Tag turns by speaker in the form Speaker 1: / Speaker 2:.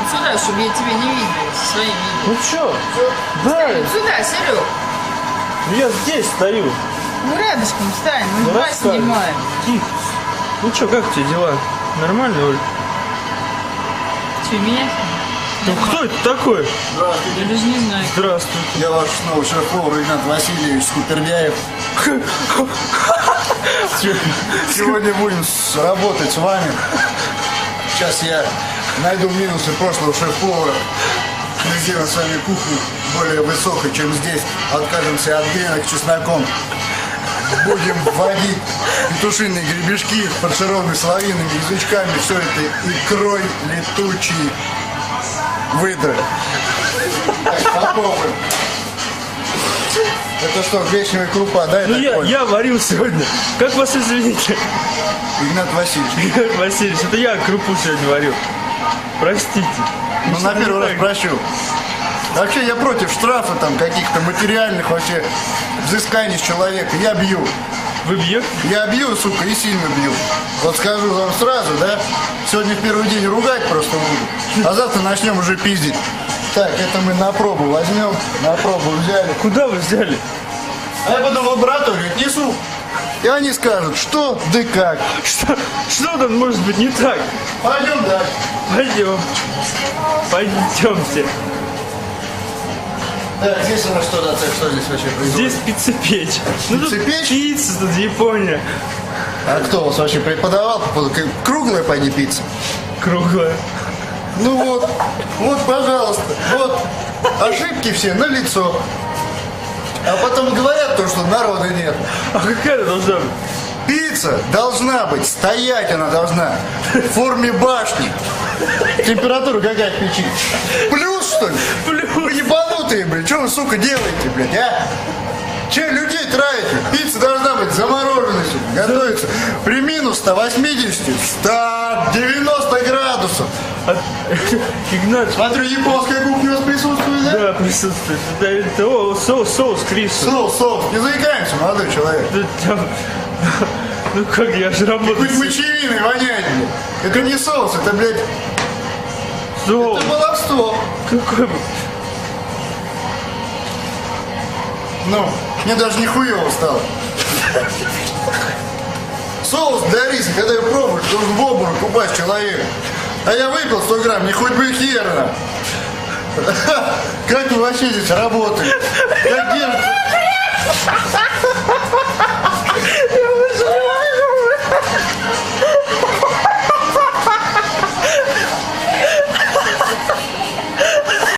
Speaker 1: сюда, чтобы я тебя не видела со своим видом.
Speaker 2: Ну чё? Да.
Speaker 1: Встань сюда, Серег.
Speaker 2: Я здесь стою.
Speaker 1: Ну рядышком встань, мы
Speaker 2: Ну,
Speaker 1: два
Speaker 2: расскажешь.
Speaker 1: снимаем.
Speaker 2: Тихо. Ну чё, как у тебя дела? Нормально, Оль?
Speaker 1: Че, меня?
Speaker 2: Ну кто это такой?
Speaker 1: Я даже не знаю.
Speaker 2: Здравствуй.
Speaker 3: Я ваш снова шеф-повар Игнат Васильевич Скупердяев. Сегодня будем работать с вами. Сейчас я найду минусы прошлого шеф-повара. Мы сделаем с вами кухню более высокой, чем здесь. Откажемся от гренок с чесноком. Будем вводить петушиные гребешки, фаршированные соловьиными язычками. Все это икрой летучей выдры. Так, попробуем. Это что, гречневая крупа, да?
Speaker 2: Ну я варил сегодня. Как вас извините?
Speaker 3: Игнат Васильевич.
Speaker 2: Игнат Васильевич, это я крупу сегодня варил. Простите.
Speaker 3: Ну, на первый раз прощу. Вообще, я против штрафа, там, каких-то материальных вообще взысканий с человека. Я бью.
Speaker 2: Вы бьете?
Speaker 3: Я бью, сука, и сильно бью. Вот скажу вам сразу, да? Сегодня в первый день ругать просто буду. А завтра начнем уже пиздить. Так, это мы на пробу возьмем. На пробу взяли.
Speaker 2: Куда вы взяли?
Speaker 3: А я потом в лабораторию отнесу. И они скажут, что, да как.
Speaker 2: Что там может быть не так?
Speaker 3: Пойдем дальше.
Speaker 2: Пойдем. Пойдемте.
Speaker 3: Так, здесь у нас что, да, что здесь вообще происходит?
Speaker 2: Здесь пиццепечь. Ну тут
Speaker 3: Пиццепечь?
Speaker 2: пицца, тут Япония.
Speaker 3: А кто у вас вообще преподавал? Круглая, пойди, пицца?
Speaker 2: Круглая.
Speaker 3: Ну вот, пожалуйста, вот, ошибки все на лицо. А потом говорят то, что народа нет.
Speaker 2: А какая она должна быть?
Speaker 3: Пицца должна быть, стоять она должна, в форме башни. Температура какая в печи? Плюс, что ли? Вы ебанутые, блядь, что вы, сука, делаете, блядь, а? Че людей травите? Пицца должна быть замороженной, сука, готовится при минус 180, 190 градусов.
Speaker 2: Игнат.
Speaker 3: Смотрю, японская кухня у вас присутствует, да?
Speaker 2: Да, присутствует. Это соус Кристо.
Speaker 3: Соус, не заикаемся, молодой человек.
Speaker 2: Ну как, я же работаю.
Speaker 3: Хоть мочевиной воняет, блядь. Это не соус, это, блядь,
Speaker 2: Соус.
Speaker 3: это баловство.
Speaker 2: Какой?
Speaker 3: Ну, мне даже нихуево стало. Соус для риса, когда я пробую, должен в обморок упасть человек. А я выпил 100 грамм, не хоть бы херно. Как вы вообще здесь работаете? Как держите?